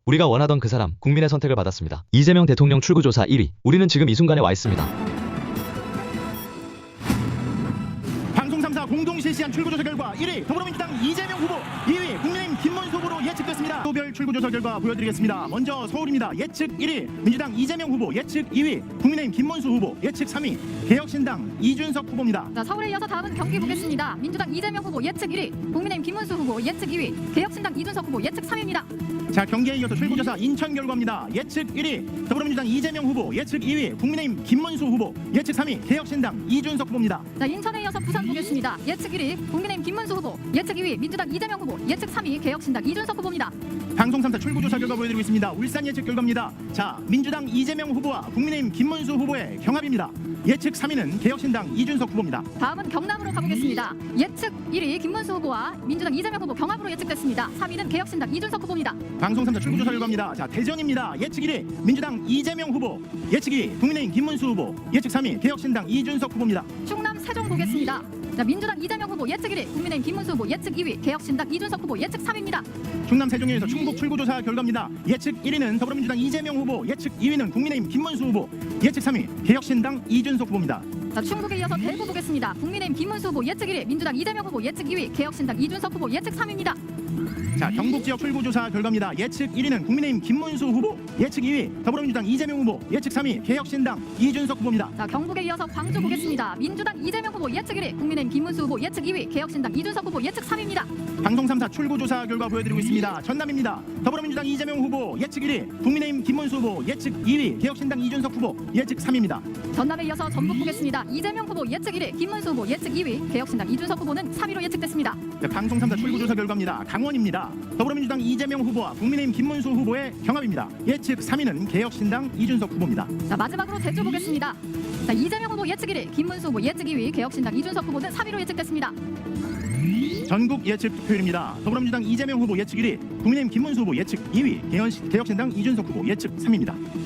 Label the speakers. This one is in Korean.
Speaker 1: 우리가 원하던 그 사람, 국민의 선택을 받았습니다. 이재명 대통령 출구조사 1위. 우리는 지금 이 순간에 와 있습니다.
Speaker 2: 방송 3사 공동 실시한 출구조사 결과 1위 더불어민주당 이재명 후보, 2위 국민의힘 김문수 후보로 예측됐습니다. 또별 출구조사 결과 보여드리겠습니다. 먼저 서울입니다. 예측 1위 민주당 이재명 후보, 예측 2위 국민의힘 김문수 후보, 예측 3위 개혁신당 이준석 후보입니다.
Speaker 3: 자, 서울에 이어서 다음은 경기 보겠습니다. 민주당 이재명 후보 예측 1위, 국민의힘 김문수 후보 예측 2위, 개혁신당 이준석 후보 예측 3위입니다.
Speaker 2: 자, 경기에 이어서 출구조사 인천 결과입니다. 예측 1위 더불어민주당 이재명 후보, 예측 2위 국민의힘 김문수 후보, 예측 3위 개혁신당 이준석 후보입니다.
Speaker 3: 자, 인천에 이어서 부산 보겠습니다. 예측 1위 국민의힘 김문수 후보, 예측 2위 민주당 이재명 후보, 예측 3위 개혁신당 이준석 후보입니다.
Speaker 2: 방송 3사 출구조사 결과 보여드리고 있습니다. 울산 예측 결과입니다. 자, 민주당 이재명 후보와 국민의힘 김문수 후보의 경합입니다. 예측 3위는 개혁신당 이준석 후보입니다.
Speaker 3: 다음은 경남으로 가보겠습니다. 예측 1위 김문수 후보와 민주당 이재명 후보 경합으로 예측됐습니다. 3위는 개혁신당 이준석 후보입니다.
Speaker 2: 방송 3사 출구조사 결과입니다. 자, 대전입니다. 예측 1위 민주당 이재명 후보, 예측 2위 국민의힘 김문수 후보, 예측 3위 개혁신당 이준석 후보입니다.
Speaker 3: 충남 세종 보겠습니다. 자, 민주당 이재명 후보 예측 1위, 국민의힘 김문수 후보 예측 2위, 개혁신당 이준석 후보 예측 3위입니다.
Speaker 2: 충남 세종에서 충북 출구조사 결과입니다. 예측 1위는 더불어민주당 이재명 후보, 예측 2위는 국민의힘 김문수 후보, 예측 3위 개혁신당 이준석 후보입니다.
Speaker 3: 자, 충북에 이어서 대구 보겠습니다. 국민의힘 김문수 후보 예측 1위, 민주당 이재명 후보 예측 2위, 개혁신당 이준석 후보 예측 3위입니다.
Speaker 2: 자, 경북 지역 출구조사 결과입니다. 예측 1위는 국민의힘 김문수 후보, 예측 2위 더불어민주당 이재명 후보, 예측 3위 개혁신당 이준석 후보입니다.
Speaker 3: 자, 경북에 이어서 광주 보겠습니다. 민주당 이재명 후보 예측 1위, 국민의힘 김문수 후보 예측 2위, 개혁신당 이준석 후보 예측 3위입니다.
Speaker 2: 방송 3사 출구조사 결과 보여드리고 있습니다. 전남입니다. 더불어민주당 이재명 후보 예측 1위, 국민의힘 김문수 후보 예측 2위, 개혁신당 이준석 후보 예측 3위입니다.
Speaker 3: 전남에 이어서 전북 보겠습니다. 이재명 후보 예측 1위, 김문수 후보 예측 2위, 개혁신당 이준석 후보는 3위로 예측됐습니다.
Speaker 2: 네, 방송 3사 출구조사 결과입니다. 강원입니다. 더불어민주당 이재명 후보와 국민의힘 김문수 후보의 경합입니다. 예측 3위는 개혁신당 이준석 후보입니다.
Speaker 3: 자, 마지막으로 제주 보겠습니다. 자, 이재명 후보 예측 1위, 김문수 후보 예측 2위, 개혁신당 이준석 후보는 3위로 예측됐습니다.
Speaker 2: 전국 예측 투표율입니다. 더불어민주당 이재명 후보 예측 1위, 국민의힘 김문수 후보 예측 2위, 개혁신당 이준석 후보 예측 3위입니다.